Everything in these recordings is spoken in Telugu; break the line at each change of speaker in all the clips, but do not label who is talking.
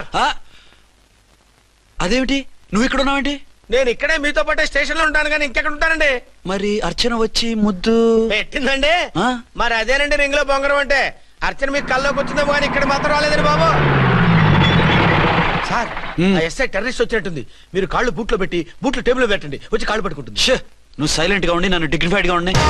అదేమిటి నువ్వు ఇక్కడ ఉన్నావేంటి?
నేను ఇక్కడే మీతో పాటే స్టేషన్ లో ఉంటాను కానీ ఇంకెక్కడ ఉంటానండి.
మరి అర్చన వచ్చి ముద్దు
పెట్టిందండి. మరి అదేనండి రింగ్ లో బొంగరం అంటే. అర్చన మీకు కల్లోకి వచ్చిందేమో కానీ ఇక్కడ మాత్రం రాలేదండి బాబు. సార్ ఎస్ఐ టెర్రరిస్ట్ వచ్చినట్టుంది. మీరు కాళ్ళు బూట్లో పెట్టి బూట్లు టేబుల్ లో పెట్టండి, వచ్చి కాళ్ళు పట్టుకుంటుంది.
నువ్వు సైలెంట్ గా ఉండి నన్ను డిగ్నిఫైడ్ గా ఉండి.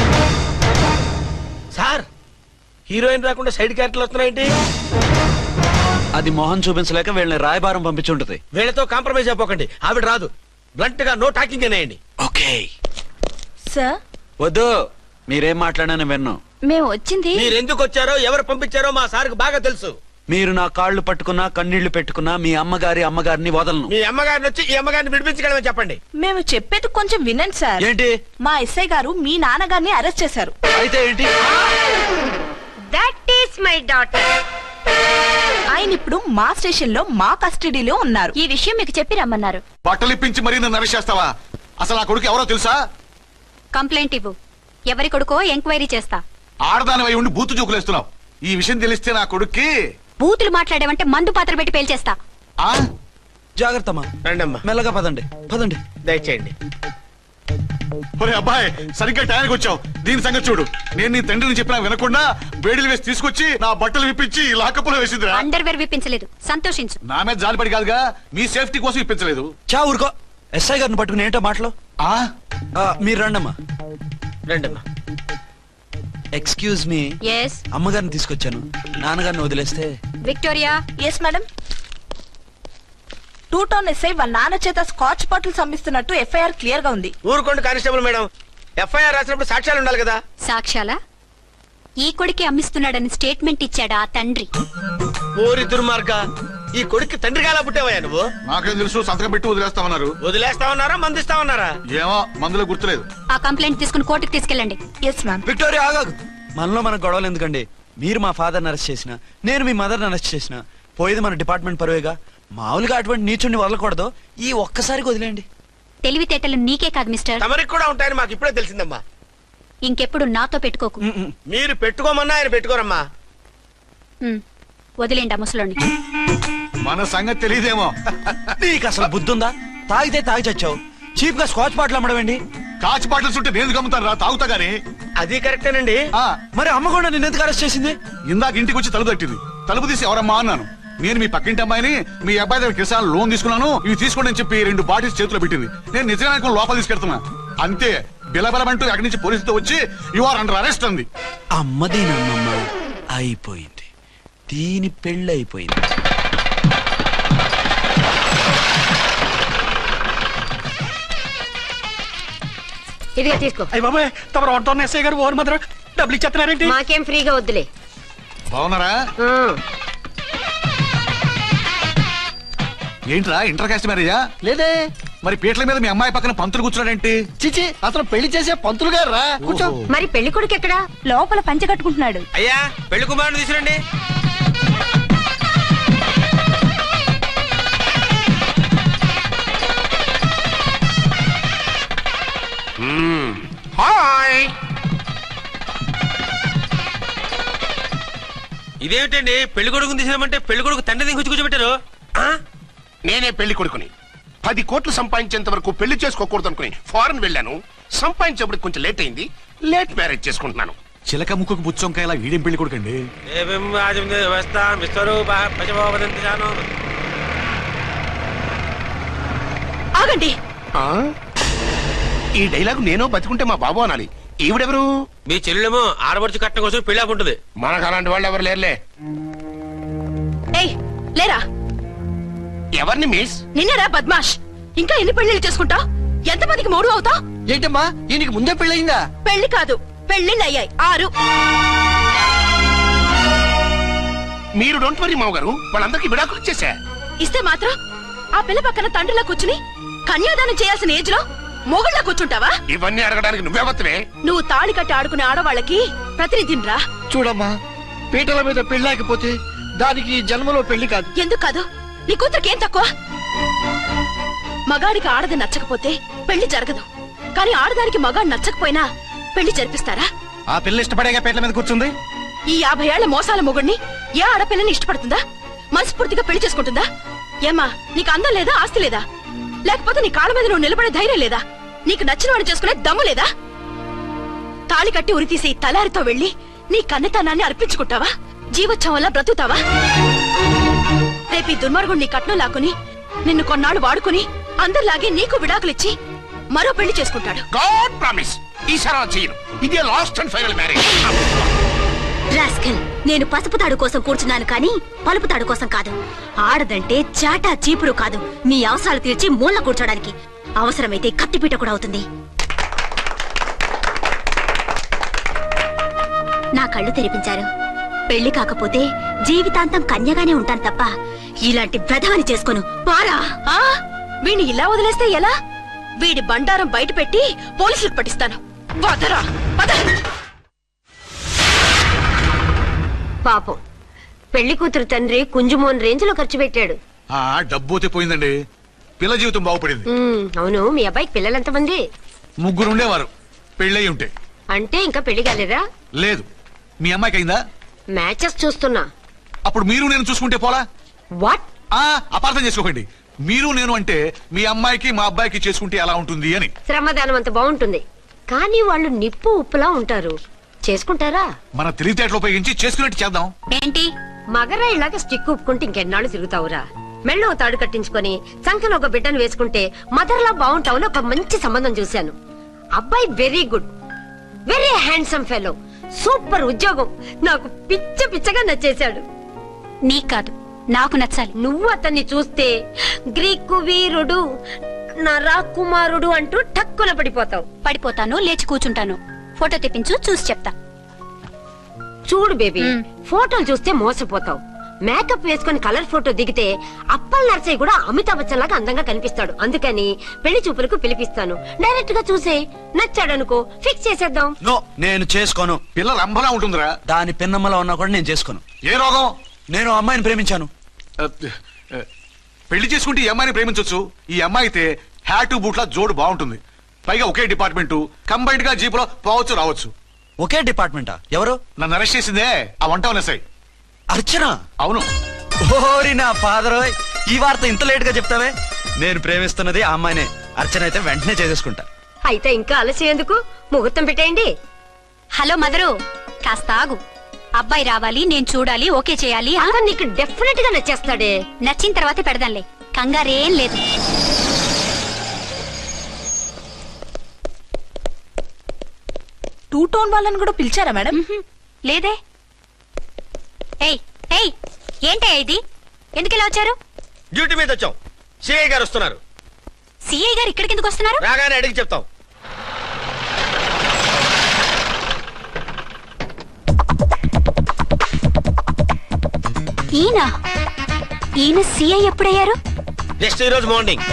సార్ హీరోయిన్ రాకుండా సైడ్ క్యారెక్టర్లు వస్తున్నాయేంటి?
అది మొహం చూపించలేక వీళ్ళని రాయబారం పంపించుంటది.
వీళ్ళతో కాంప్రమైజ్ అయిపోకండి, ఆవిడ రాదు. బ్లంట్ గా నో టాకింగ్ అనేయండి.
Okay
sir.
వద్దు, మీరేం మాట్లాడానని విన్నాం.
మేము వచ్చింది
మీరెందుకు వచ్చారో ఎవరు పంపించారో మా సార్కి బాగా తెలుసు.
మీరు నా కాళ్ళు పట్టుకున్నా కన్నీళ్లు పెట్టుకున్నా మీ అమ్మగారిని వదలను.
మీ అమ్మగారిని వచ్చి ఈ అమ్మగారిని విడిపించగలమని చెప్పండి.
మేము చెప్పేది కొంచెం వినండి సార్.
ఏంటి?
మా ఎస్ఐ గారు మీ నాన్నగారిని అరెస్ట్ చేశారు.
అయితే ఏంటి?
That is my daughter.
ఆయన ఇప్పుడు మా స్టేషన్ లో మా కస్టడీలో ఉన్నారు.
ఈ విషయం మీకు చెప్పి రమ్మన్నారు.
బట్టలిప్పించి మరీ నన్ను అరెస్ట్ చేస్తావా? అసలు ఆ కొడుకు ఎవరో తెలుసా?
కంప్లైంట్ ఇవ్వు. ఎవరి కొడుకో ఎంక్వైరీ చేస్తా.
ఆడదానివై ఉండి బూతు చూకులేస్తున్నావు. ఈ విషయం తెలిస్తే నా కొడుక్కి
బూతులు మాట్లాడేవంటే మందు పాత్ర పెట్టి పేల్చేస్తా.
జాగ్రత్తమ్మా.
రండమ్మా.
మెల్లగా పదండి పదండి.
దయచేయండి.
ఒరే అబ్బాయి, సరిగ్గా టైంకి వచ్చావు. దీని సంగతి చూడు. నేను నీ తండ్రిని చెప్పినా వినకుండా వేడిలు వేసి తీసుకొచ్చి నా బట్టలు విప్పించి లాకప్పులో వేసిందిరా.
అండర్వేర్ విప్పించలేదు, సంతోషించు.
నా మీద జాలిపడి కాదుగా, మీ సేఫ్టీ కోసం విప్పించలేదు.
చా ఊరుకో. ఎస్ఐ గారిని పట్టుకుని ఏంటో మాటలు. మీరు రండమ్మా.
రండమ్మా.
Excuse me.
yes
అమ్మగారిని తీసుకొచ్చాను. నాన్నగారిని వదిలేస్తే.
Victoria.
Yes madam. 2 town SI వాళ్ళ నాన్న చేత స్కాచ్ బాటిల్స్ అమ్మిస్తున్నట్టు ఎఫ్ఐఆర్ క్లియర్ గా ఉంది.
ఊరుకోండి కానిస్టేబుల్ మేడం. ఎఫ్ఐఆర్ రాసినప్పుడు సాక్ష్యాలు ఉండాలి కదా.
సాక్ష్యాలా? ఈ కొడుకే అమ్మిస్తున్నాడని స్టేట్మెంట్ ఇచ్చాడా ఆ తండ్రి?
ఓరి దుర్మార్గ, ఈ కొడుక్కి తండ్రిగా ఎలా పుట్టావయ్యా నువ్వు?
నాకేం తెలుసు, సంతకం పెట్టి వదిలేస్తామన్నారు.
వదిలేస్తామన్నారా మందిస్తామన్నారా?
ఏమో, మందులో గుర్తులేదు.
ఆ కంప్లైంట్ తీసుకుని కోర్టుకు తీసుకెళ్ళండి.
Yes ma'am.
విక్టోరియా ఆగాగు. మనలో మన గొడవలు ఎందుకండి? మీరు మా ఫాదర్ని అరెస్ట్ చేసిన, నేను మీ మదర్ని అరెస్ట్ చేసిన, పోయేది మన డిపార్ట్మెంట్ పరువేగా. మామూలుగా అటువంటి నీచుడిని వదలకూడదు. ఈ ఒక్కసారికి వదిలేండి.
తెలివితేటలు నీకే కాదు మిస్టర్,
తమరికి కూడా ఉంటాయని మాకు ఇప్పుడే తెలిసిందమ్మా.
ఇంకెప్పుడు నాతో పెట్టుకోకు.
మీరు పెట్టుకోమన్నా ఆయన పెట్టుకోరమ్మా.
వదిలేండి ఆ ముసలోని.
మన సంగతి తెలియదేమో.
నీకు అసలు బుద్ధుందా? తాగితే తాగి చచ్చావు. చీప్ గా స్కాచ్ బాటిల్ అమ్మడమేంటి?
కాచి బాటిల్స్ ఉంటే నేను గమ్ముతాను రా, తాగుతా గానీ.
అది కరెక్టేనండి.
మరి అమ్మ కూడా నిన్ను ఎందుకు అరెస్ట్ చేసింది?
ఇందాక ఇంటికి వచ్చి తలుపు తట్టింది. తలుపు తీసి ఎవరమ్మా అన్నాను. నేను మీ పక్కింటి అమ్మాయిని, మీ అబ్బాయి దగ్గర కిసాన్ లోన్ తీసుకున్నాను, ఇవి తీసుకోండి అని చెప్పి 2 బాటిల్స్ చేతిలో పెట్టింది. నేను నిజంగా లోపల తీసుకెళ్తున్నా. అంతే, బిలబలమంటూ అక్కడి నుంచి పోలీసుతో వచ్చి యు ఆర్ అండర్ అరెస్ట్ అంది.
అమ్మదీనమ్మమ్మ అయిపోయింది. దీని పెళ్ళి అయిపోయింది.
ఇదిగా తీసుకో.
అయ్య బాబాయ్, తమరు 1 టౌన్ ఎస్ఐ గారు ఓవర్ మాత్రం డబ్బులు ఇచ్చేస్తున్నారేంటి?
మాకేం ఫ్రీగా వద్దులే.
బాగున్నారా? ఏంట్రా ఇంటర్ కాస్ట్ మ్యారేజా?
లేదే.
మరి పీటల మీద మీ అమ్మాయి పక్కన పంతులు కూర్చున్నాడేంటి?
చిచి, అతను పెళ్లి చేసే పంతులు గారు రా. కూర్చో.
మరి పెళ్లి కొడుకు ఎక్కడా?
లోపల పంచె కట్టుకుంటున్నాడు.
అయ్యా, పెళ్లి కుమారుని తీసుకురండి. హాయ్. ఇదేమిటండి, పెళ్లి కొడుకుని తీసినామంటే పెళ్లి కొడుకు తండ్రి దిగి కూర్చోబెట్టారు.
నేనే పెళ్లి కొడుకుని. 10 కోట్లు సంపాదించేంత వరకు పెళ్లి చేసుకోకూడదు అనుకుని ఫారెన్ వెళ్ళాను. సంపాదించేప్పుడు కొంచెం లేట్ అయింది. లేట్ మ్యారేజ్ చేసుకుంటున్నాను.
చిలక ముక్కుకు బుచ్చొంకాయలా వీడేం పెళ్లి కొడుకండి?
ఆగండి.
ఈ డైలాగ్ నేను బతికుంటే మా బాబు అనాలి. ఈవిడెవరు?
మీ చెల్లెమో ఆడబడుచు కట్టడం కోసం పెళ్లి ఆకుంటుంది.
మనకు అలాంటి వాళ్ళు ఎవరు లేరులే.
ఏయ్ లేరా.
ఎవరిని మిస్?
నిన్నరా బద్మాష్. ఇంకా ఎన్ని పెళ్లిళ్ళు చేసుకుంటా? ఎంతమందికి మూడు అవుతా?
ఏంటమ్మా, ఈయనకి ముందే పెళ్ళయిందా?
పెళ్లి కాదు, పెళ్లిళ్ళు అయ్యాయి 6.
మీరు డోంట్ వరీ మావ గారు, వాళ్ళందరికీ విడాకులు ఇచ్చేసా.
ఇస్తే మాత్రం ఆ పిల్ల పక్కన తండ్రిలా కూర్చుని కన్యాదానం చేయాల్సిన ఏజ్ లో మొగుళ్ళ కూర్చుంటావా?
ఇవన్నీ అడగడానికి నువ్వెవత్తవే?
నువ్వు తాళి కట్టి ఆడుకునే ఆడవాళ్ళకి ప్రతినిధిరా.
చూడమ్మా, పీటల మీద పెళ్ళాకపోతే దానికి జన్మలో పెళ్లి కాదు.
ఎందుకు కాదు? నీ కూతురికేం తక్కువ? మగాడికి ఆడది నచ్చకపోతే పెళ్లి జరగదు. కానీ ఆడదానికి మగాడు నచ్చకపోయినా పెళ్లి జరిపిస్తారా?
ఆ పిల్ల ఇష్టపడేగా పీటల మీద కూర్చుంది.
ఈ 50 ఏళ్ల మోసాల మొగుడిని ఏ ఆడపిల్లని ఇష్టపడుతుందా? మనస్ఫూర్తిగా పెళ్లి చేసుకుంటుందా? ఏమ్మా, నీకు అందం లేదా, ఆస్తి లేదా? లేకపోతే నీ కాళ్ళ మీద నువ్వు నిలబడే ధైర్యం లేదా? నీకు నచ్చిన వాడిని చేసుకునే దమ్ము లేదా? తాళి కట్టి ఉరితీసి తలారితో వెళ్లి నీ కన్నతనాన్ని అర్పించుకుంటావా? జీవోత్సవం వల్ల బ్రతుకుతావా? రేపు ఈ దుర్మార్గుడు నీ కట్నం లాక్కుని నిన్ను కొన్నాళ్ళు వాడుకుని అందరిలాగే నీకు విడాకులిచ్చి మరో పెళ్లి చేసుకుంటాడు.
గాడ్ ప్రామిస్, ఈసారి అలా చేయను. ఇదే last and final marriage.
Rascal, నేను పసుపు తాడు కోసం కూర్చున్నాను కానీ పలుపు తాడు కోసం కాదు. ఆడదంటే చాటా చీపురు కాదు, మీ అవసరాలు తీర్చి మూల కూర్చోడానికి. అవసరమైతే కత్తిపీట కూడా అవుతుంది. నా కళ్ళు తెరిపించారు. పెళ్లి కాకపోతే జీవితాంతం కన్యగానే ఉంటాను తప్ప ఇలాంటి బ్రధవని చేసుకోను. పారా!
వీణ్ణి ఇలా వదిలేస్తే ఎలా? వీడి బండారం బయట పెట్టి పోలీసులకు పట్టిస్తాను. వదరా, వద.
పాపం పెళ్లి కూతురు తండ్రి కుంజుమోన్ రేంజ్ లో ఖర్చు పెట్టాడు.
డబ్బు అయితే పోయిందండి, పిల్ల జీవితం బాగుపడింది.
అవును, మీ అబ్బాయికి పిల్లలెంతమంది?
3 ఉండేవారు, పెళ్ళయి ఉంటే.
అంటే ఇంకా పెళ్లి కాలేదా?
లేదు. మీ అమ్మాయికి అయిందా?
మ్యాచెస్ చూస్తున్నా.
అప్పుడు మీరు నేను చూసుకుంటే పోలా?
వాట్?
అపార్థం చేసుకోకండి. మీరు నేను అంటే మీ అమ్మాయికి మా అబ్బాయికి చేసుకుంటే ఎలా ఉంటుంది అని.
శ్రమదానం అంత బాగుంటుంది, కానీ వాళ్ళు నిప్పు ఉప్పులా ఉంటారు. చేసుకుంటారా?
మన తెలివితేటలు ఉపయోగించి చేసుకున్నట్టు చేద్దాం.
ఏంటి
మగరా ఇలాగ స్టిక్ ఉప్పుకుంటే ఇంకెన్నాళ్ళు తిరుగుతావురా? మెళ్ళో తాడు కట్టించుకొని సంఖ్యలో ఒక బిడ్డను వేసుకుంటే మదర్లా బాగుంటావుని ఒక మంచి సంబంధం చూశాను. అబ్బాయి very good, very handsome fellow, super ఉద్యోగం. నాకు పిచ్చగా నచ్చేశాడు.
నీకు కాదు, నాకు నచ్చాలి.
నువ్వు అతన్ని చూస్తే గ్రీకు వీరుడు, నా రాకుమారుడు అంటూ టక్కున పడిపోతావు.
పడిపోతాను, లేచి కూర్చుంటాను. ఫోటో తెప్పించు, చూసి చెప్తా.
చూడు బేబీ, ఫోటోలు చూస్తే మోసపోతావు. మేకప్ వేసుకుని కలర్ ఫోటో దిగితే అప్పల్ నర్సయ్య కూడా అమితాబ్ బచ్చన్ లాగా అందంగా కనిపిస్తాడు. అందుకని పెళ్లి చూపులకు పిలిపిస్తాను. డైరెక్ట్ గా చూసే నచ్చాడనుకో, ఫిక్స్ చేసేద్దాం.
నో, నేను చేసుకోను.
పిల్ల రంభలా ఉంటుందిరా.
దాని పిన్నమ్మలా ఉన్నా కూడా నేను చేసుకోను.
ఏ రోగం?
నేను అమ్మాయిని ప్రేమించాను.
పెళ్లి చేసుకుంటే ఈ అమ్మాయిని ప్రేమించొచ్చు. ఈ అమ్మాయి అయితే హ్యాటు బూట్ల జోడు బాగుంటుంది. పైగా ఒకే డిపార్ట్మెంట్, కంబైన్డ్ గా జీపులో పోవచ్చు రావచ్చు.
ఒకే డిపార్ట్మెంటా? ఎవరు?
నన్ను అరెస్ట్ చేసిందే ఆ వంట ఉన్నసాయి.
అర్చన?
అవును.
ఓరి నా ఫాదర్, ఈ వార్త ఇంత లేట్ గా చెప్తావే. నేను ప్రేమిస్తున్నది ఆ అమ్మాయినే. అర్చన అయితే వెంటనే చేసేసుకుంటా.
అయితే ఇంకా ఆలస్యం ఎందుకు, ముహూర్తం పెట్టేయండి.
హలో మదరు, కాస్త ఆగు. అబ్బాయి రావాలి, నేను చూడాలి, ఓకే చేయాలి.
అతను నీకు డెఫినెట్ గా నచ్చేస్తాడే.
నచ్చిన తర్వాతే పెడదాంలే, కంగారేం లేదు.
టూ టోన్ వాళ్ళని కూడా పిలిచారా మేడం?
లేదే. ఏయ్ ఏయ్, ఏంటే ఇది? ఎందుకు ఇలా వచ్చారు?
డ్యూటీ మీద వచ్చాం. సిఐ గారు వస్తున్నారు.
సిఐ గారు ఇక్కడికి ఎందుకు వస్తున్నారు?
రాగానే అడిగి చెప్తాం.
ఈయన సిఐ ఎప్పుడయ్యారు?
నెక్స్ట్ ఈ రోజు morning.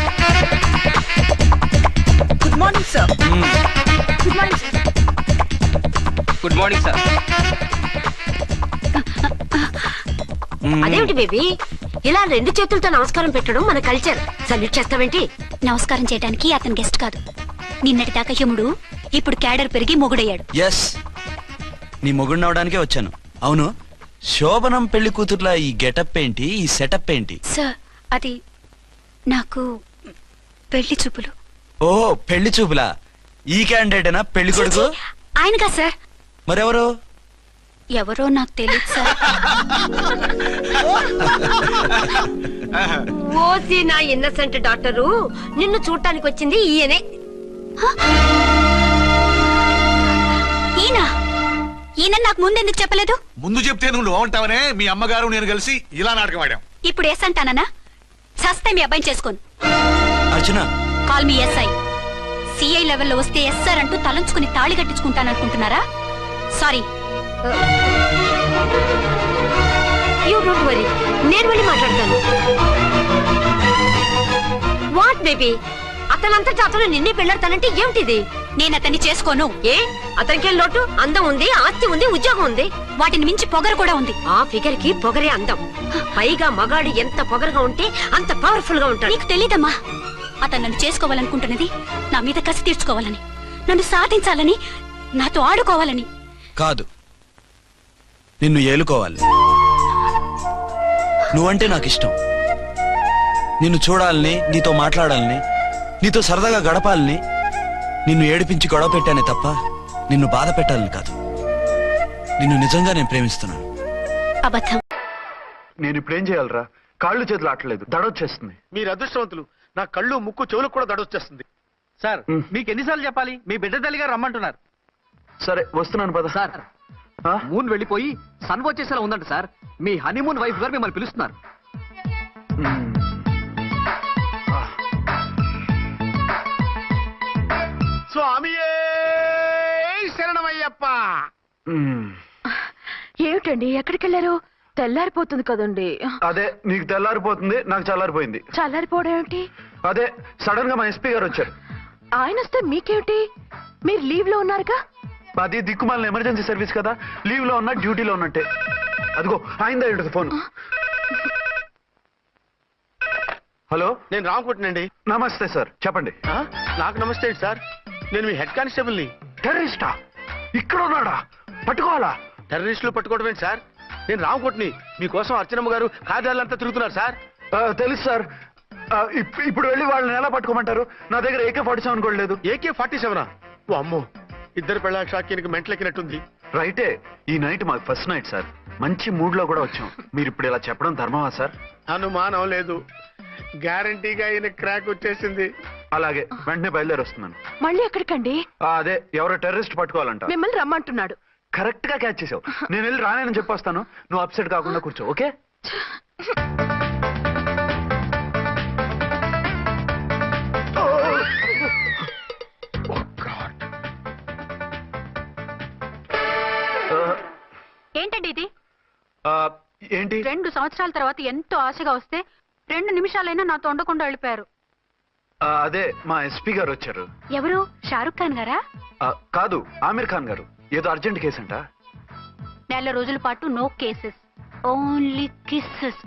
Good morning sir. Good morning sir.
Good morning sir.
అదేమిటి బేబీ, ఇలా 2 చేతులతో నమస్కారం పెట్టడం మన కల్చర్. సల్యూట్ చేస్తావేంటి?
నమస్కారం చేయడానికి అతను గెస్ట్ కాదు. నిన్నటి దాకా యముడు, ఇప్పుడు క్యాడర్ పెరిగి మొగుడయ్యాడు.
ఎస్, నీ మొగుడినవడానికే వచ్చాను. అవును, శోభనం పెళ్లి కూతుర్లా ఈ గెటప్ ఏంటి, ఈ సెటప్ ఏంటి?
సార్, అది నాకు పెళ్లి చూపులు.
ఓ, పెళ్లి చూపులా? ఈ క్యాండిడేటేనా పెళ్లి కొడుకు?
ఆయనగా సార్.
మరెవరు?
ఎవరో నాకు తెలియదు సార్.
ఓసి నా ఇన్నసెంట్ డాక్టరు, నిన్ను చూడటానికి వచ్చింది ఈయనే.
ఈయన నాకు ముందెందుకు చెప్పలేదు?
ముందు చెప్తే నువ్వు బాగుంటావనే మీ అమ్మగారు నేను కలిసి ఇలా నాటకం ఆడాం.
ఇప్పుడు ఎస్ అంటానా? సస్తే మీ అబ్బాయిని చేసుకోను.
Archana,
call me SI. CI లెవెల్లో వస్తే ఎస్ఆర్ అంటూ తలంచుకుని తాళి కట్టించుకుంటాననుకుంటున్నారా? సారీ.
యూ డోంట్ వరీ, నేను వెళ్ళి మాట్లాడతాను. వాట్ బేబీ, అతనంతటా అతను నిన్నే పెళ్ళాడతానంటే ఏమిటిది?
నేను అతన్ని చేసుకోను.
ఏ, అతనికేం లోటు? అందం ఉంది, ఆస్తి ఉంది, ఉద్యోగం ఉంది.
వాటిని మించి పొగరు కూడా ఉంది.
ఆ ఫిగర్ కి పొగరే అందం. పైగా మగాడు ఎంత పొగరుగా ఉంటే అంత పవర్ఫుల్ గా ఉంటాడు.
నీకు తెలీదమ్మా, అతను నన్ను చేసుకోవాలనుకుంటున్నది నా మీద కసి తీర్చుకోవాలని, నన్ను సాధించాలని, నాతో ఆడుకోవాలని
కాదు, నిన్ను ఏలుకోవాలి. నువ్వంటే నాకు ఇష్టం. నిన్ను చూడాలని, నీతో మాట్లాడాలని, నీతో సరదాగా గడపాలని, నిన్ను ఏడిపించి గొడవ పెట్టానే తప్ప నిన్ను బాధ పెట్టాలని కాదు. నిన్ను నిజంగా నేను ప్రేమిస్తున్నాను.
అబద్ధం.
నేను ఇప్పుడు ఏం చేయాలరా? కాళ్ళు చేతులు ఆటలేదు, దడొచ్చేస్తుంది.
మీరు అదృష్టవంతులు. నా కళ్ళు ముక్కు చెవులకు కూడా దడొచ్చేస్తుంది. సార్ మీకు ఎన్నిసార్లు చెప్పాలి? మీ బిడ్డ తల్లి గారు రమ్మంటున్నారు.
సరే వస్తున్నాను పద.
సార్ మూన్ వెళ్ళిపోయి సన్ వచ్చేసేలా ఉందంట సార్. మీ హనీమూన్ వైఫ్ గారు మిమ్మల్ని పిలుస్తున్నారు.
స్వామియే శరణమయ్యప్ప.
ఏమిటండి ఎక్కడికి వెళ్ళారు? తెల్లారిపోతుంది కదండి.
అదే నీకు తెల్లారిపోతుంది, నాకు చల్లారిపోయింది.
చల్లారిపోవడం ఏమిటి?
అదే సడన్ గా మా ఎస్పీ గారు వచ్చారు.
ఆయన వస్తే మీకేమిటి? మీరు లీవ్ లో ఉన్నారుగా.
అది దిక్కుమాలిన ఎమర్జెన్సీ సర్వీస్ కదా, లీవ్ లో ఉన్నా డ్యూటీలో ఉన్నట్టే. అదిగో ఆయన ఫోన్. హలో,
నేను రామకుంటునండి.
నమస్తే సార్, చెప్పండి.
నాకు నమస్తే సార్. నేను మీ హెడ్ కానిస్టేబుల్ ని.
టెర్రరిస్టా? ఇక్కడ ఉన్నాడా? పట్టుకోవాలా?
టెర్రరిస్టులు పట్టుకోవడమే సార్. నేను రామకుంటుని. మీకోసం అర్చనమ్మ గారు కార్యాలంతా తిరుగుతున్నారు సార్.
తెలుసు సార్. ఇప్పుడు వెళ్ళి వాళ్ళని ఎలా పట్టుకోమంటారు? నా దగ్గర AK-47 కూడా లేదు.
AK-47? ఓ అమ్మో, ఇద్దరు పెళ్ళ షాకీనికి మెంటలెక్కినట్టుంది.
రైటే, ఈ నైట్ మాకు ఫస్ట్ నైట్ సార్. మంచి మూడ్ లో కూడా వచ్చాం. మీరు ఇప్పుడు ఇలా చెప్పడం ధర్మమా సార్?
అనుమానం లేదు, గ్యారంటీగా ఈయన క్రాక్ వచ్చేసింది.
అలాగే, వెంటనే బయలుదేరి వస్తున్నాను.
మళ్ళీ ఎక్కడికండి?
అదే ఎవరో టెర్రరిస్ట్ పట్టుకోవాలంట.
మిమ్మల్ని రమ్మంటున్నాడు.
కరెక్ట్ గా క్యాచ్ చేసావు. నేను వెళ్ళి రానని చెప్పొస్తాను, నువ్వు అప్సెట్ కాకుండా కూర్చో, ఓకే?
ఏంటండి ఇది?
ఏంటి?
2 సంవత్సరాల తర్వాత ఎంతో ఆశగా వస్తే 2 నిమిషాలైనా నాతో ఉండకుండా వెళ్ళిపోయారు.
అదే మా ఎస్పీ గారు వచ్చారు.
ఎవరు? షారుఖ్ ఖాన్ గారా?
కాదు, ఆమిర్ ఖాన్ గారు. ఏదో అర్జెంట్ కేసు అంట.
4 రోజుల పాటు నో కేసెస్, ఓన్లీ కిస్సెస్.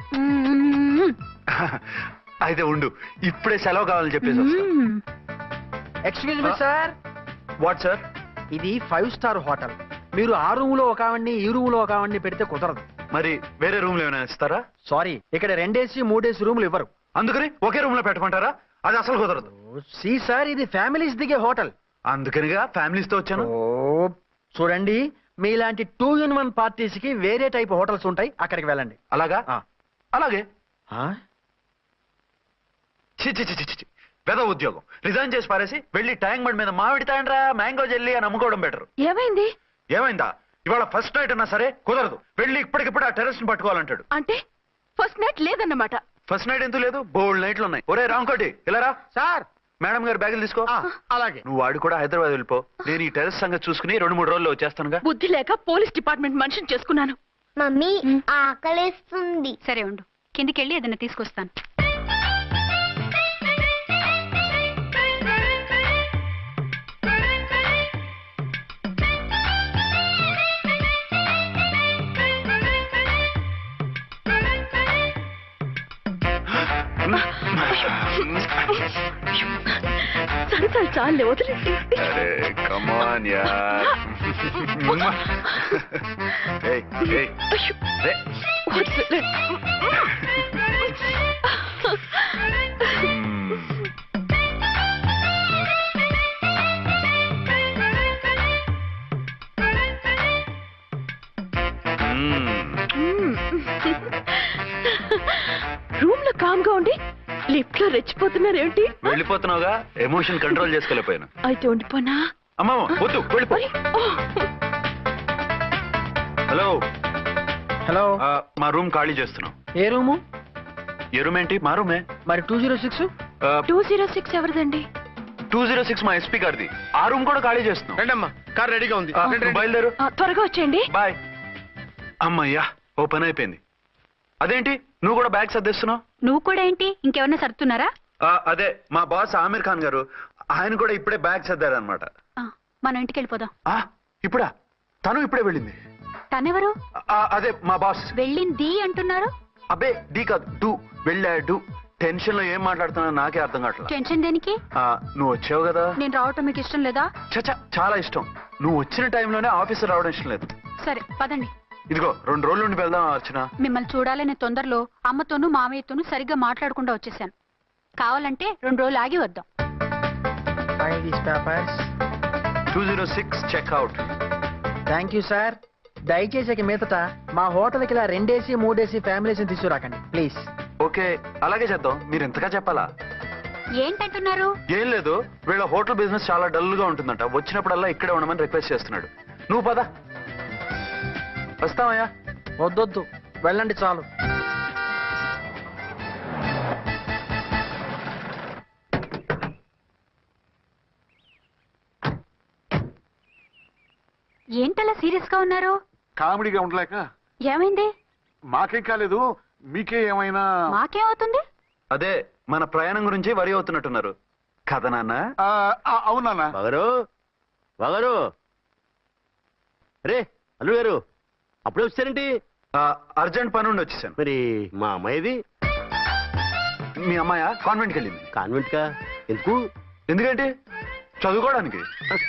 అయితే ఉండు, ఇప్పుడే సెలవు కావాలని చెప్పేసి.
Excuse me sir.
What sir?
ఇది 5 స్టార్ హోటల్. మీరు ఆ రూమ్ లో ఒక ఆవిడ్ని, ఈ రూమ్ లో ఒక ఆవిడ్ని పెడితే కుదరదు.
మరి వేరే రూమ్ లో ఏమైనా ఇస్తారా?
సారీ, ఇక్కడ 2 AC 3 AC రూములు ఇవ్వరు.
అందుకని ఒకే రూమ్ లో పెట్టమంటారా? అది అసలు కుదరదు.
సి సార్, ఇది ఫ్యామిలీస్ దిగే హోటల్.
అందుకనిగా ఫ్యామిలీస్ తో వచ్చాను.
చూడండి, మీలాంటి 2-in-1 పార్టీస్ కి వేరే టైప్ హోటల్స్ ఉంటాయి, అక్కడికి వెళ్ళండి.
అలాగా? అలాగే. పెద్ద ఉద్యోగం రిజైన్ చేసి పారేసి వెళ్ళి ట్యాంక్ బండ్ మీద మామిడి తాండ్రా మ్యాంగో జెల్లీ అని అమ్ముకోవడం బెటర్.
ఏమైంది?
ఏమైందా? ఇవాళ ఫస్ట్ నైట్ అన్నా సరే కుదరదు. వెళ్ళి ఇప్పటికిప్పుడు ఆ టెర్రస్ ని పట్టుకోవాలంటాడు.
అంటే ఫస్ట్ నైట్ లేదన్నమాట.
ఫస్ట్ నైట్ ఎందుకు లేదు? బోల్డ్ నైట్లు ఉన్నాయి. ఒరే రాంకోటి, ఇలా రా.
సార్,
మేడం గారు బ్యాగులు తీసుకో.
అలాగే.
నువ్వు వాడు కూడా హైదరాబాద్ వెళ్ళిపో. నేను ఈ టెర్రస్ సంగతి చూసుకుని 2-3 రోజుల్లో వచ్చేస్తానుగా.
బుద్ధి లేక పోలీస్ డిపార్ట్మెంట్ మనిషిని చేసుకున్నాను.
మమ్మీ ఆకలేస్తుంది.
సరే ఉండు, కిందికెళ్ళి ఏదైనా తీసుకొస్తాను.
సరే చాలే, వదిలేండి.
కమాన్ యార్.
రూమ్ లో కామ్ గా ఉండి లిఫ్ట్ లో రెచ్చిపోతున్నారేంటి?
వెళ్ళిపోతున్నావుగా, ఎమోషన్ కంట్రోల్ చేసుకోలేకపోయాను.
అయితే ఉండిపోనా?
అమ్మా వద్దు, వెళ్ళిపో. హలో
హలో,
మా రూమ్ ఖాళీ చేస్తున్నాం.
ఏ రూము?
ఏ రూమ్ ఏంటి? మా రూమే.
మరి 206?
206 ఎవరిదండి?
206 మా ఎస్పీ గారిది. ఆ రూమ్ కూడా ఖాళీ చేస్తున్నాం.
రండమ్మా, కార్ రెడీగా ఉంది.
బయలుదేరు.
త్వరగా వచ్చేయండి.
బాయ్. అమ్మయ్యా, ఓ పని అయిపోయింది. అదేంటి నువ్వు కూడా బ్యాగ్ సర్దిస్తున్నావు?
నువ్వు కూడా ఏంటి, ఇంకెవరన్నా సర్దుతున్నారా?
అదే మా బాస్ ఆమిర్ ఖాన్ గారు, ఆయన కూడా ఇప్పుడే బ్యాగ్ సర్దారనమాట.
మనం ఇంటికి వెళ్ళిపోదాం.
ఇప్పుడా? తను ఇప్పుడే వెళ్ళింది.
తనెవరు?
అదే మా బాస్.
వెళ్ళింది అంటున్నారు.
అబ్బే డీ కాదు, డూ. వెళ్ళాడు. టెన్షన్ లో ఏం మాట్లాడుతున్నా నాకే అర్థం కావట్లేదు.
టెన్షన్ దేనికి?
నువ్వు వచ్చావు కదా.
నేను రావటం మీకు ఇష్టం లేదా?
చచ్చా, చాలా ఇష్టం. నువ్వు వచ్చిన టైంలోనే ఆఫీసర్ రావడం ఇష్టం లేదు.
సరే పదండి.
ఇదిగో 2 రోజులు నుండి వెళ్దాం అర్చన.
మిమ్మల్ని చూడాలనే తొందరలో అమ్మతోనూ మామయ్యతోనూ సరిగ్గా మాట్లాడకుండా వచ్చేసాను. కావాలంటే 2 రోజులు ఆగి వద్దాం.
206 చెక్అవుట్.
Thank you sir. దయచేసి ఇక మీదట మా హోటల్కి ఇలా 2 AC 3 AC ఫ్యామిలీస్ తీసుకురాకండి ప్లీజ్.
ఓకే, అలాగే చేద్దాం. మీరు ఎంతగా చెప్పాలా?
ఏంటంటున్నారు?
ఏం లేదు, వీళ్ళ హోటల్ బిజినెస్ చాలా డల్ గా ఉంటుందంట. వచ్చినప్పుడల్లా ఇక్కడే ఉండమని రిక్వెస్ట్ చేస్తున్నాడు. నువ్వు పద. వస్తావయ్యా?
వద్దొద్దు, వెళ్ళండి చాలు.
ఏంటలా సీరియస్ గా ఉన్నారు?
కామెడీగా ఉండలేక.
ఏమైంది?
మాకేం కాలేదు, మీకే ఏమైనా?
మాకేమవుతుంది?
అదే మన ప్రయాణం గురించి వరి అవుతున్నట్టున్నారు కదా నాన్న?
అవునా
బాగారు రే అల్లు గారు, అప్పుడే వచ్చారేంటి?
అర్జెంట్ పని ఉండి వచ్చేసాను.
మరి మా అమ్మాయిది?
మీ అమ్మాయ కాన్వెంట్కి వెళ్ళింది.
కాన్వెంట్ కా? ఎందుకు?
ఎందుకంటే చదువుకోవడానికి.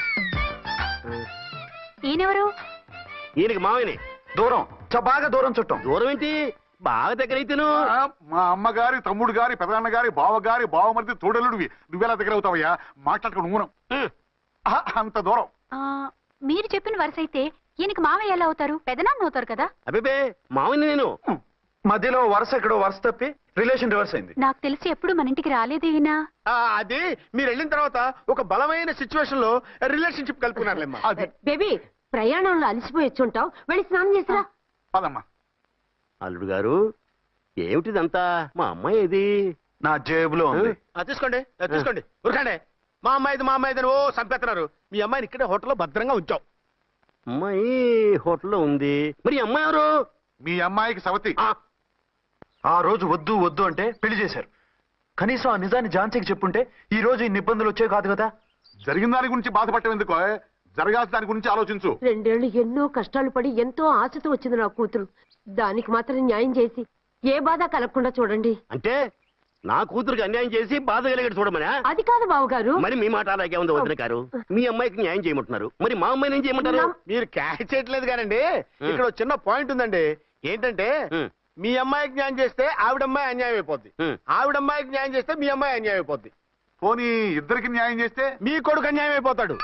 ఈయనెవరు?
ఈయనకి మామయ్యని.
దూరం, బాగా దూరం చుట్టాం.
దూరం ఏంటి, బాగా దగ్గర అయితేను.
మా అమ్మగారి తమ్ముడు గారి పెదనాన్న గారి బావ గారి బావమరిది తోడలుడివి. నువ్వెలా దగ్గర అవుతావయ్యా? మాట్లాడుకుని ఊరం. అంత దూరం.
మీరు చెప్పిన వరుస అయితే ఈయనకి మామయ్య ఎలా అవుతారు? పెదనాన్న అవుతారు కదా.
అబ్బే మామయ్యని నేను.
మధ్యలో వరుస ఎక్కడో వరుస తప్పి రిలేషన్ రివర్స్ అయింది.
నాకు తెలిసి ఎప్పుడు మన ఇంటికి రాలేదు ఈయన.
అది మీరు వెళ్ళిన తర్వాత ఒక బలమైన సిచ్యువేషన్ లో రిలేషన్షిప్ కలుపుకున్నారులేమ్మా.
బేబీ, ప్రయాణంలో అలసిపోయి వచ్చుంటావు, వెళ్ళి స్నానం చేసిరా.
పదమ్మా.
అల్లుడు గారు, ఏమిటిదంతా? మా అమ్మాయి ఏది?
నా జేబులో ఉంది.
తీసుకోండి తీసుకోండి, ఉరకండి. మా అమ్మాయిది ఓ సంపేస్తున్నారు. మీ అమ్మాయిని ఇక్కడే హోటల్లో భద్రంగా ఉంచావు.
అమ్మాయి హోటల్లో ఉంది. మరి అమ్మాయి ఎవరు?
మీ అమ్మాయికి సవతి.
ఆ రోజు వద్దు వద్దు అంటే పెళ్లి చేశారు. కనీసం ఆ నిజాన్ని ఝాన్సీకి చెప్పుంటే ఈ రోజు ఇన్ని ఇబ్బందులు వచ్చే కాదు కదా.
జరిగిన దాని గురించి బాధపడటం ఎందుకో, జరగాల్సిన దాని గురించి ఆలోచించు.
2 ఏళ్లు ఎన్నో కష్టాలు పడి ఎంతో ఆశతో వచ్చింది నా కూతురు. దానికి మాత్రం న్యాయం చేసి ఏ బాధ కలగకుండా చూడండి.
అంటే నా కూతురికి అన్యాయం చేసి బాధ కలిగేది చూడమనా?
అది కాదు బావగారు.
మరి మీ మాట అలాగే ఉంది వదిన గారు. మీ అమ్మాయికి న్యాయం చేయమంటున్నారు, మరి మా అమ్మాయిని ఏం చేయమంటారు?
మీరు క్యాచ్ చేయట్లేదు కానండి. ఇక్కడ ఒక చిన్న పాయింట్ ఉందండి. ఏంటంటే మీ అమ్మాయికి న్యాయం చేస్తే ఆవిడమ్మాయి అన్యాయం అయిపోద్ది, ఆవిడమ్మాయికి న్యాయం చేస్తే మీ అమ్మాయి అన్యాయం అయిపోద్ది.
పోనీ ఇద్దరికి న్యాయం చేస్తే
మీ కొడుకు అన్యాయం అయిపోతాడు.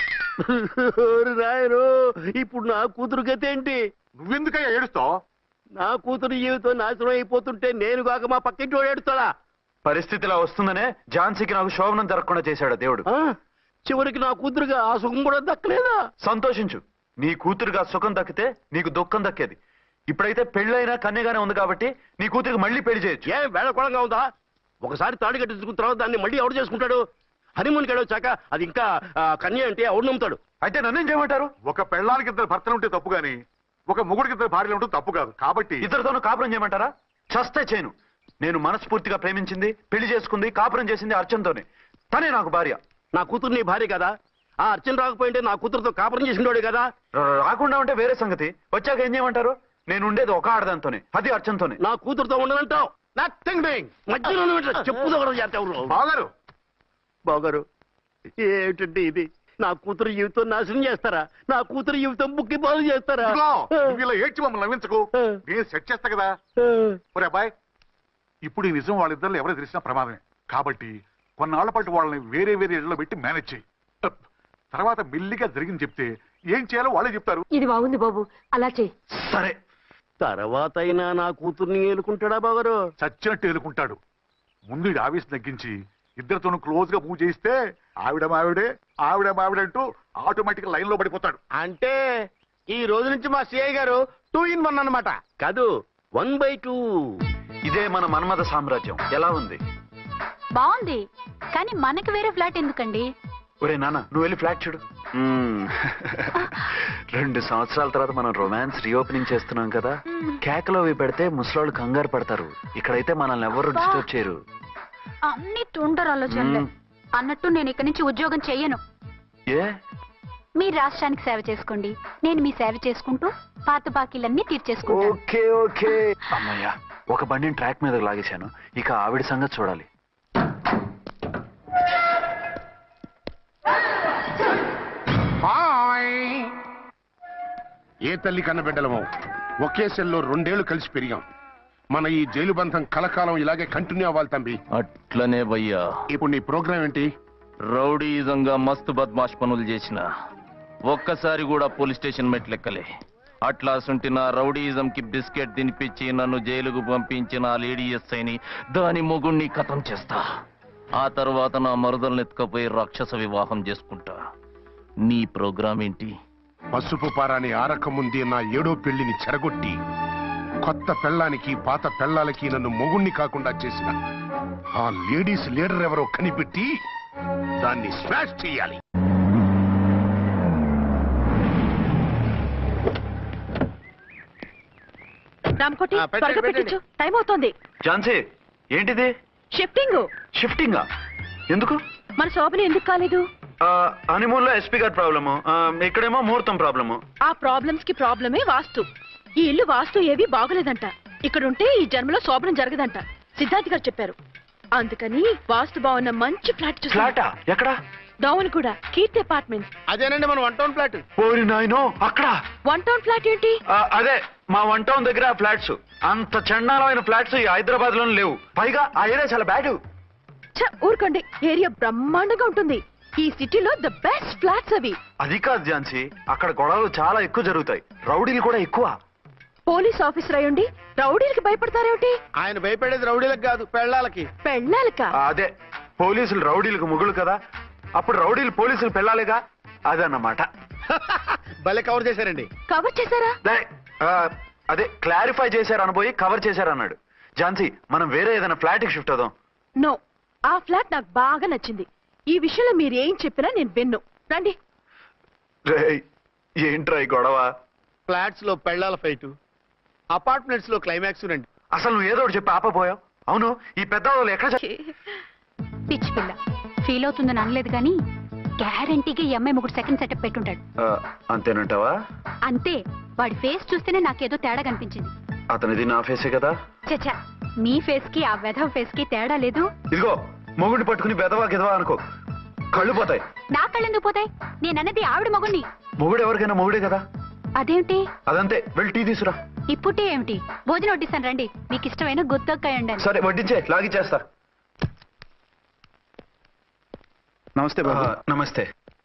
రాయరు, ఇప్పుడు నా కూతురు గతి ఏంటి?
నువ్వెందుకయ్యా ఏడుస్తావు?
నా కూతురు జీవితం నాశనం అయిపోతుంటే నేను కాక మా పక్కింటి వాడు ఏడుస్తాడా?
పరిస్థితిలా వస్తుందనే ఝాన్సీకి నాకు శోభనం జరగకుండా చేశాడు దేవుడు.
చివరికి నా కూతురుగా ఆ సుఖం కూడా దక్కలేదా?
సంతోషించు, నీ కూతురుగా సుఖం దక్కితే నీకు దుఃఖం దక్కేది. ఇప్పుడైతే పెళ్ళైనా కన్యగానే ఉంది కాబట్టి నీ కూతురికి మళ్ళీ పెళ్లి చేయొచ్చు.
ఏం వేళకోళంగా ఉందా? ఒకసారి తాడి కట్టించుకున్న తర్వాత దాన్ని మళ్ళీ ఎవడు చేసుకుంటాడు? హనీమూన్కి వచ్చాక అది ఇంకా కన్య అంటే ఎవడు నమ్ముతాడు?
అయితే నన్నేం చేయమంటారు?
ఒక పెళ్ళానికి 2 భర్తలు ఉంటే తప్పు గాని ఒక మొగుడికి 2 భార్యలు ఉంటే తప్పు కాదు. కాబట్టి
ఇద్దరితోనూ కాపురం చేయమంటారా? చస్తే చేయను. నేను మనస్ఫూర్తిగా ప్రేమించింది, పెళ్లి చేసుకుంది, కాపురం చేసింది అర్చనతోనే. తనే నాకు భార్య.
నా కూతురు నీ భార్య కదా? ఆ అర్చన రాకపోయింటే నా కూతురుతో కాపురం చేసిండోడే కదా?
రాకుండా ఉంటే వేరే సంగతి. వచ్చాక ఏం చేయమంటారు? నేను ఉండేది ఒక ఆడదాంతోనే, అది అర్చనతోనే.
నా కూతురుతో ఉండనంటావు?
Nothing doing.
మధ్యలో చెప్పుదోగరు. బాగారు, ఏమిటంటే ఇది? నా కూతురు జీవితం నాశనం చేస్తారా? నా కూతురు జీవితం బుక్కి బాగు చేస్తారా?
ఇలా ఏడ్చి మమ్మల్ని నవ్వించకు, నేను సెట్ చేస్తా కదా. ఒరే అబ్బాయి, ఇప్పుడు ఈ నిజం వాళ్ళిద్దరు ఎవరు తెలిసినా ప్రమాదమే. కాబట్టి కొన్నాళ్ల పాటు వాళ్ళని వేరే వేరే ఇళ్లలో పెట్టి మేనేజ్ చేయి. తర్వాత మెల్లిగా జరిగింది చెప్తే ఏం చేయాలో వాళ్ళే చెప్తారు.
ఇది బాగుంది బాబు, అలా చేయి.
సరే,
తర్వాత అయినా నా కూతుర్ని ఏలుకుంటాడా బాగారు?
చచ్చినట్టు ఏలుకుంటాడు. ముందు ఈ ఆవేశం తగ్గించి ఇద్దరితోనూ క్లోజ్ గా మూవ్ చేయిస్తే ఆవిడ మావిడంటూ ఆటోమేటిక్ లైన్ లో పడిపోతాడు.
అంటే ఈ రోజు నుంచి మా సిఐ గారు 2 in 1 అన్నమాట.
కాదు, 1/2.
ఇదే మన మన్మథ సామ్రాజ్యం. ఎలా ఉంది?
బాగుంది, కానీ మనకి వేరే ఫ్లాట్ ఎందుకండి?
ఒరే నాన్న, నువ్వు వెళ్ళి ఫ్లాట్ చూడు. 2 సంవత్సరాల తర్వాత మనం రొమాన్స్ రీఓపెనింగ్ చేస్తున్నాం కదా. కేకలో అవి పెడితే ముసలాళ్ళు కంగారు పడతారు. ఇక్కడైతే మనల్ని ఎవరు డిస్టర్బ్ చేయరు.
అన్ని తొందర ఆలోచనలే. అన్నట్టు నేను ఇక్కడి నుంచి ఉద్యోగం చెయ్యను.
ఏ?
మీ రాష్ట్రానికి సేవ చేసుకోండి, నేను మీ సేవ చేసుకుంటూ పాత బాకీలన్నీ తీర్చేసుకుంటాను.
Okay okay. అమ్మయ్యా, ఒక బండిని ట్రాక్ మీద లాగేశాను. ఇక ఆవిడ సంగతి చూడాలి.
ఏ తల్లి కన్న బిడ్డలమో ఒకే సెల్లో 2 ఏళ్లు కలిసి పెరిగాం. మన ఈ జైలు బంధం కలకాలం ఇలాగే కంటిన్యూ అవ్వాలి తంబి.
అట్లనే భయ్యా.
ఇప్పుడు నీ ప్రోగ్రామ్ ఏంటి?
రౌడీజంగా మస్తు బద్మాష్ పనులు చేసిన ఒక్కసారి కూడా పోలీస్ స్టేషన్ మెట్లెక్కలే. అట్లా సుంటి నా రౌడీజం కి బిస్కెట్ తినిపించి నన్ను జైలుకు పంపించిన ఆ లేడీ ఎస్ఐని దాని మొగుణ్ణి ఖతం చేస్తా. ఆ తర్వాత నా మరుదలను ఎత్తుకపోయి రాక్షస వివాహం చేసుకుంటా. నీ ప్రోగ్రామ్ ఏంటి?
పసుపు పారాని ఆరక ముందే నా 7వ పెళ్లిని చెరగొట్టి కొత్త పెళ్ళానికి పాత పెళ్ళాలకి నన్ను మొగుణ్ణి కాకుండా చేసిన ఆ లేడీస్ లీడర్ ఎవరో కనిపెట్టి దాన్ని స్మాష్ చేయాలి.
రామకోటి త్వరగా పెట్టించు, టైం అవుతోంది.
ఝాన్సీ ఏంటిది?
షిఫ్టింగ్.
షిఫ్టింగా? ఎందుకు?
మన శోభని ఎందుకు కాలేదు?
హనీమూన్ లో ఎస్పీ గారి ప్రాబ్లము, ఇక్కడేమో ముహూర్తం ప్రాబ్లము.
ఆ ప్రాబ్లమ్స్ కి ప్రాబ్లమే వాస్తు. ఈ ఇల్లు వాస్తు ఏవి బాగోలేదంట. ఇక్కడుంటే ఈ జన్మలో శోభనం జరగదంట సిద్ధార్థ్ గారు చెప్పారు. అందుకని వాస్తు బాగున్న మంచి ఫ్లాట్ చూసి.
ఫ్లాటా? ఎక్కడ?
డౌన్ కూడా కీర్తి అపార్ట్మెంట్స్.
అదేనండి మన 1 టౌన్ ఫ్లాట్.
ఓరి నాయనో, అక్కడ
1 టౌన్ ఫ్లాట్ ఏంటి?
అదే మా 1 టౌన్ దగ్గర ఫ్లాట్స్. అంత చండాలమైన ఫ్లాట్స్ ఈ హైదరాబాద్ లోనే లేవు. పైగా ఆ ఏరియా చాలా బ్యాడ్.
ఊరుకోండి, ఏరియా బ్రహ్మాండంగా ఉంటుంది. ఈ సిటీలో ద బెస్ట్ ఫ్లాట్స్ అవి.
అది కాదు ఝాన్సీ, అక్కడ గొడవలు చాలా ఎక్కువ జరుగుతాయి, రౌడీలు కూడా ఎక్కువ.
పోలీస్ ఆఫీసర్ అయ్యుండి రౌడీలకి భయపడతారేమిటి?
ఆయన భయపడేది రౌడీలకు కాదు, పెళ్ళాలకి.
పెళ్ళాలక?
అదే, పోలీసులు రౌడీలకు ముగులు కదా, అప్పుడు రౌడీలు పోలీసులు పెళ్ళాలిగా, అదన్నమాట.
భలే కవర్ చేశారండి.
కవర్ చేశారా?
అదే క్లారిఫై చేశారు అనబోయి కవర్ చేశారు అన్నాడు. ఝాన్సీ, మనం వేరే ఏదైనా ఫ్లాట్ కి షిఫ్ట్ అవుదాం.
నో, ఆ ఫ్లాట్ నాకు బాగా నచ్చింది. ఈ విషయంలో మీరు ఏం చెప్పినా నేను విన్ను. రండి.
ఏంట్రా ఈ గొడవ?
ఫ్లాట్స్ లో పెళ్ళాల ఫైట్, అపార్ట్మెంట్స్ లో క్లైమాక్స్ రండి.
అసలు నువ్వు ఏదో ఒకటి చెప్పి ఆపపోయావు. అవును, ఈ పెద్ద వాళ్ళు ఎక్కడ?
పిచ్చి పిల్ల ఫీల్ అవుతుందని అనలేదు కానీ గ్యారంటీగా ఈ అమ్మాయి ముగ్గురు సెకండ్ సెటప్ పెట్టుంటాడు.
అంతేనంటావా?
అంతే. వాడి ఫేస్ చూస్తేనే నాకేదో తేడా కనిపించింది.
అతనిది నా ఫేసే కదా.
చచ్చా, మీ ఫేస్ కి ఆ వెధవ ఫేస్ కి తేడా లేదు.
ఇదిగో, మొగుడిని పట్టుకుని బెదవా గిదవా అనుకో, కళ్ళు పోతాయి.
నా కళ్ళెందుకు పోతాయి? నేనన్నది ఆవిడ మొగుడిని.
మొగుడు ఎవరికైనా మొగుడే కదా.
అదేమిటి?
అదంతే, వెళ్ళి టీ తీసురా.
ఇప్పుడే ఏమిటి? భోజనం వడ్డిస్తాను రండి. మీకు ఇష్టమైన గుత్తొక్కాయ ఉండండి.
సరే వడ్డించే, లాగిచ్చేస్తా.
నమస్తే బాబు.
నమస్తే.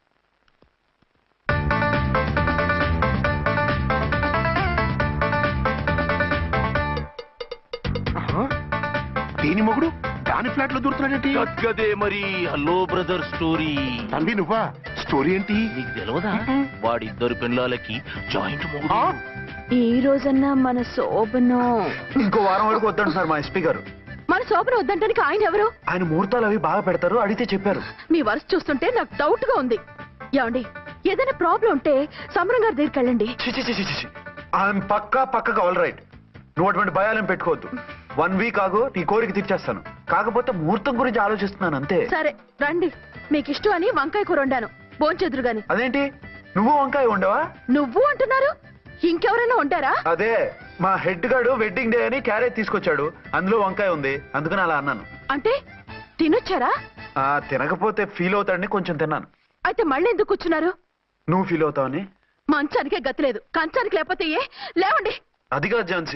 దేని మొగుడు దాని ఫ్లాట్ లో దూరుతున్నాడేంటి?
గదే మరి. Hello brother story.
తంబి నువ్వా? స్టోరీ ఏంటి?
నీకు తెలియదా? వాడిద్దరు పిల్లలకి జాయింట్ మొగుడు.
ఈ రోజన్నా మన శోభను
ఇంకో వారం వరకు వద్దంటున్నారు మా ఎస్పీ గారు.
మన శోభను వద్దంటానికి ఆయన ఎవరు?
ఆయన ముహూర్తాలు అవి బాగా పెడతారు, అడిగితే చెప్పారు.
మీ వరుస చూస్తుంటే నాకు డౌట్ గా ఉంది. ఏమండి, ఏదైనా ప్రాబ్లం ఉంటే సమరం గారి దగ్గరికి వెళ్ళండి.
ఆయన పక్కగా ఆల్ రైట్. నువ్వు అటువంటి భయాలను పెట్టుకోవద్దు. 1 వీక్ ఆగు, నీ కోరిక తీర్చేస్తాను. కాకపోతే ముహూర్తం గురించి ఆలోచిస్తున్నాను అంతే.
సరే రండి. మీకు ఇష్టం అని వంకాయ కూర వండాను, భోంచెదురు గాని.
అదేంటి, నువ్వు వంకాయ ఉండవా?
నువ్వు అంటున్నారు, ఇంకెవరైనా ఉంటారా?
అదే, మా హెడ్ గాడు వెడ్డింగ్ డే అని క్యారేజ్ తీసుకొచ్చాడు, అందులో వంకాయ ఉంది, అందుకని అలా అన్నాను.
అంటే తినొచ్చారా?
తినకపోతే ఫీల్ అవుతాడని కొంచెం తిన్నాను.
అయితే మళ్ళీ ఎందుకు కూర్చున్నారు?
నువ్వు ఫీల్ అవుతావని.
మంచానికే గతిలేదు, కంచానికి లేకపోతే ఏ? లేవండి.
అది కాదు ఝాన్సీ.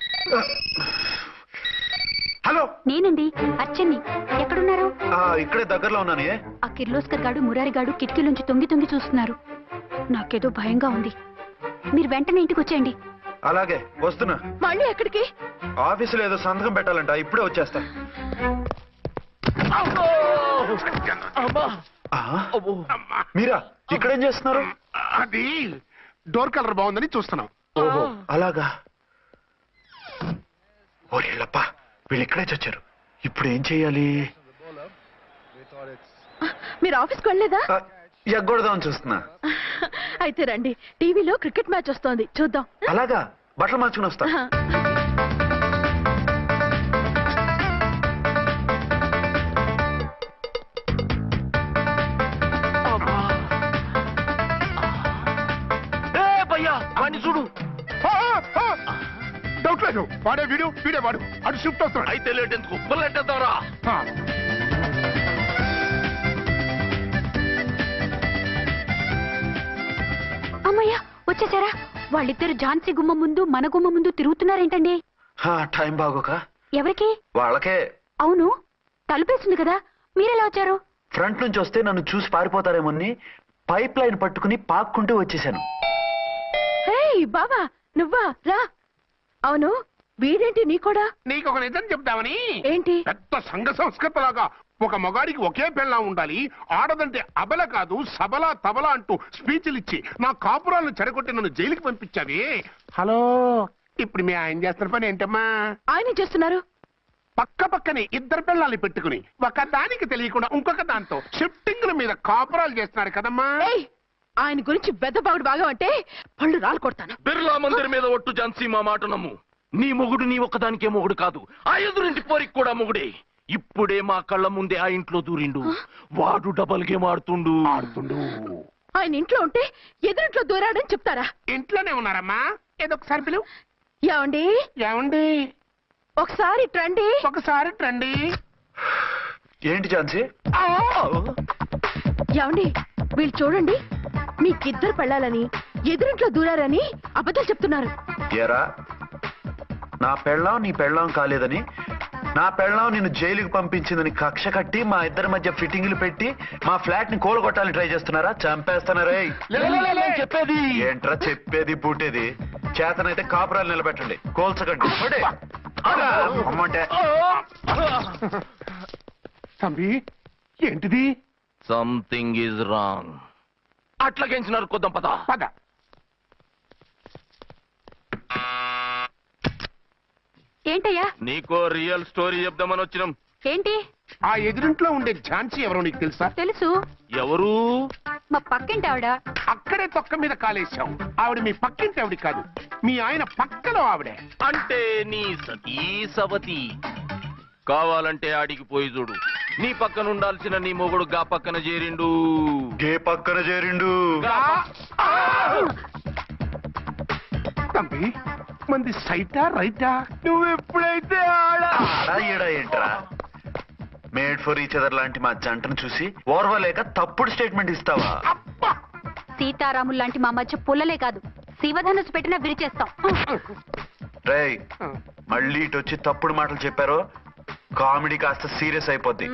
హలో,
నేనండి అచ్చన్ని. ఎక్కడున్నారు?
ఇక్కడే దగ్గరలో ఉన్నాను.
ఆ కిర్లోస్కర్ గాడు మురారి గాడు కిటికీలోంచి తొంగి తొంగి చూస్తున్నారు. నాకేదో భయంగా ఉంది. మీరు వెంటనే ఇంటికి వచ్చేయండి.
అలాగే వస్తున్నా.
మళ్ళీ ఎక్కడికి?
ఆఫీసులో ఏదో సంతకం పెట్టాలంట, ఇప్పుడే వచ్చేస్తా. మీరా ఇక్కడేం చేస్తున్నారు?
అది డోర్ కలర్ బాగుందని చూస్తున్నాం.
ఓహో అలాగా. ఓరేళ్ళప్ప, వీళ్ళు ఇక్కడే చచ్చారు. ఇప్పుడు ఏం చెయ్యాలి?
మీరు ఆఫీస్కి వెళ్ళలేదా?
ఎగ్గొడదామని చూస్తున్నా.
అయితే రండి, టీవీలో క్రికెట్ మ్యాచ్ వస్తోంది, చూద్దాం.
అలాగా, బట్టలు మార్చుకుని వస్తా.
చూడు,
డౌట్ లేదు, వాడే వీడే వాడు. అటు షిఫ్ట్ అవుతాడు.
అయితే లేట్ ఎందుకు, బుల్లెట్టేద్దాంరా.
అమ్మయ్యా వచ్చేసారా? వాళ్ళిద్దరు ఝాన్సీ గుమ్మ ముందు మన గుమ్మ ముందు తిరుగుతున్నారేంటండి?
టైం బాగోక.
ఎవరికి?
వాళ్ళకే.
అవును, తలుపేసింది కదా, మీరెలా వచ్చారు?
ఫ్రంట్ నుంచి వస్తే నన్ను చూసి పారిపోతారేమోని పైప్ లైన్ పట్టుకుని పాక్కుంటూ వచ్చేసాను.
బాబా నువ్వా రా. అవును, వీడేంటి నీ కూడా?
నీకు ఒక నిజం చెప్తామని.
ఏంటి?
పెద్ద సంఘ సంస్కృతలాగా ఒక మగాడికి ఒకే పెళ్ళం ఉండాలి, ఆడదంటే అబల కాదు సబల తబల అంటూ స్పీచ్లు ఇచ్చి నా కాపురాలను చెడగొట్టి నన్ను జైలుకి పంపించావి. హలో, ఇప్పుడు మీ ఆయన చేస్తున్న పని ఏంటమ్మా?
ఆయన చేస్తున్నారు
పక్క పక్కనే ఇద్దరు పిల్లల్ని పెట్టుకుని ఒక దానికి తెలియకుండా ఇంకొక దాంతో షిఫ్టింగ్ల మీద కాపురాలు చేస్తున్నారు కదమ్మా.
ఆయన గురించి బెద్దబాగుడు బాగా అంటే పళ్ళు రాలు కొడతాను.
బిర్లా మందిర్ మీద ఒట్టు ఝాన్సీ, మా మాట నమ్ము. నీ మొగుడు నీ ఒక్కదానికే మొగుడు కాదు, ఆ ఎదురింటి పోరికి కూడా మొగుడే. ఇప్పుడే మా కళ్ళ ముందే ఆ ఇంట్లో దూరిండు. వాడు డబల్ గేమ్ ఆడుతుండు.
ఆయన ఇంట్లో ఉంటే ఎదురింట్లో దూరాడని చెప్తారా?
ఇంట్లోనే ఉన్నారమ్మా. ఏదో ఒకసారి పిలువు.
ఏమండి
ఏమండి
ఒకసారి ట్రండి.
ఒకసారి ట్రండి.
ఏంటి ఝాన్సీ?
ఏమండి వీళ్ళు చూడండి, మీకిద్దరు పెళ్ళాలని ఎదురింట్లో దూరారని అబద్ధాలు చెప్తున్నారు.
ఏరా, నా పెళ్ళాం నీ పెళ్ళాం కాలేదని, నా పెళ్ళాం నిన్ను జైలుకి పంపించిందని కక్ష కట్టి మా ఇద్దరి మధ్య ఫిట్టింగ్లు పెట్టి మా ఫ్లాట్ ని కూలగొట్టాలని ట్రై చేస్తున్నారా? చంపేస్తున్నారా?
చెప్పేది
ఏంట్రా చెప్పేది పూటేది? చేతనైతే కాపురాలు నిలబెట్టండి, కోల్చకండి. అమ్మంటే
తంబి ఏంటిది?
Something is wrong. అట్లాగేంచినారు కొద్దాం పద
పద.
ఏంటయ్యా?
నీకో రియల్ స్టోరీ చెప్దామని వచ్చినాం.
ఏంటి?
ఆ ఎదురింట్లో ఉండే ఝాన్సీ ఎవరో నీకు తెలుసా?
తెలుసు.
ఎవరు?
మా పక్కింటి ఆవిడ.
అక్కడే తొక్క మీద కాలేశావు. ఆవిడ మీ పక్కింటి ఆవిడ కాదు, మీ ఆయన పక్కలో ఆవిడే.
అంటే నీ సతీ సవతి. కావాలంటే ఆడికి పోయి చూడు. నీ పక్కన ఉండాల్సిన నీ మొగుడు గా పక్కన చేరిండు.
గే పక్కన చేరిండు.
తంబి మంది సైటా రైటా?
నువ్వు ఎప్పుడైతే ఆడా ఏంట్రా? మేడ్ ఫర్ ఈచ్ అదర్ లాంటి మా జంటను చూసి ఓర్వలేక తప్పుడు స్టేట్మెంట్ ఇస్తావా?
సీతారాములు లాంటి మా మధ్య పుల్లలే కాదు, శివధనుసు పెట్టినా విరిచేస్తాం.
రేయ్, మళ్ళీ ఇటు వచ్చి తప్పుడు మాటలు చెప్పారో కామెడీ కాస్త సీరియస్ అయిపోద్ది.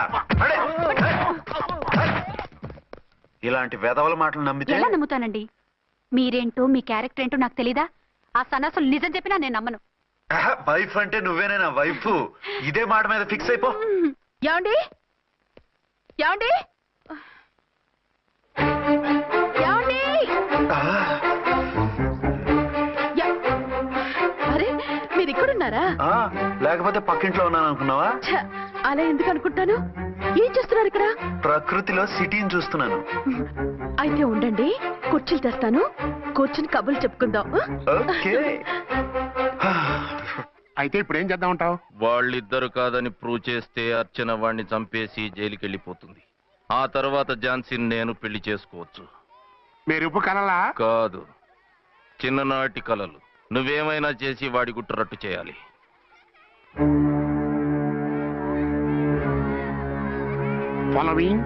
ఇలాంటి వెధవల మాటలు నమ్మితే
ఎలా నమ్ముతానండి? మీరేంటో మీ క్యారెక్టర్ ఏంటో నాకు తెలీదా? ఆ సన్నాసులు నిజం చెప్పినా నేను నమ్మను.
వైఫ్ అంటే నువ్వేనా వైఫ్? ఇదే మాట మీద ఫిక్స్ అయిపో.
ఏమండి ఏమండి ఏమండి? అరే మీరు ఇక్కడున్నారా?
లేకపోతే పక్కింట్లో ఉన్నాను అనుకున్నావా?
అలా ఎందుకు అనుకుంటాను? ఏం చేస్తున్నారు ఇక్కడ?
ప్రకృతిలో సిటీని చూస్తున్నాను.
అయితే ఉండండి, కుర్చీలు తెస్తాను, కూర్చుని కబుర్లు చెప్పుకుందాం.
అయితే ఇప్పుడు ఏం చేద్దాం అంటావు?
వాళ్ళిద్దరు కాదని ప్రూవ్ చేస్తే అర్చన వాణ్ణి చంపేసి జైలుకి వెళ్ళిపోతుంది. ఆ తర్వాత ఝాన్సీని నేను పెళ్లి చేసుకోవచ్చు.
మీరు కలలా?
కాదు, చిన్ననాటి కలలు. నువ్వేమైనా చేసి వాడి గుట్టు రట్టు చేయాలి.
ఫాలోయింగ్.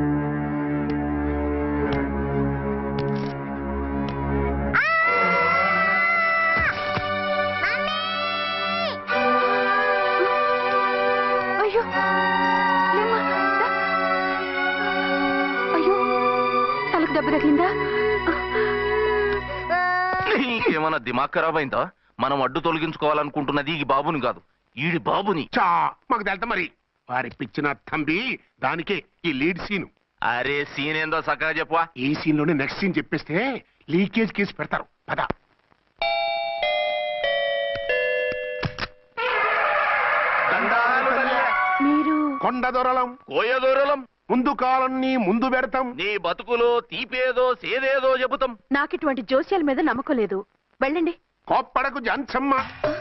అయ్యో లేమ్మా, రా. అయ్యో తలకు దెబ్బ తగిలిందా?
నీకేమన్నా దిమాగ్ ఖరాబ్ అయిందా? మనం అడ్డు తొలగించుకోవాలనుకుంటున్నది ఈ బాబుని కాదు, ఈడి బాబుని.
మాకు తెలుతా మరి. వారి పిచ్చిన తంబి దానికే ఈ లీడ్ సీన్.
అరే సీన్ ఏందో సక్కగా చెప్పవా?
ఈ సీన్ లోనే నెక్స్ట్ సీన్ చెప్పేస్తే లీకేజ్ కేసు పెడతారు. పద.
మీరు
కొండ దొరలం
కోయ దూరలం
ముందు కాలన్నీ ముందు పెడతాం.
నీ బతుకులో తీపేదో సేదేదో చెబుతాం.
నాకు ఇటువంటి జోస్యాల మీద నమ్మకం లేదు. వెళ్ళండి.
కోప్పడకు జాన్సమ్మ.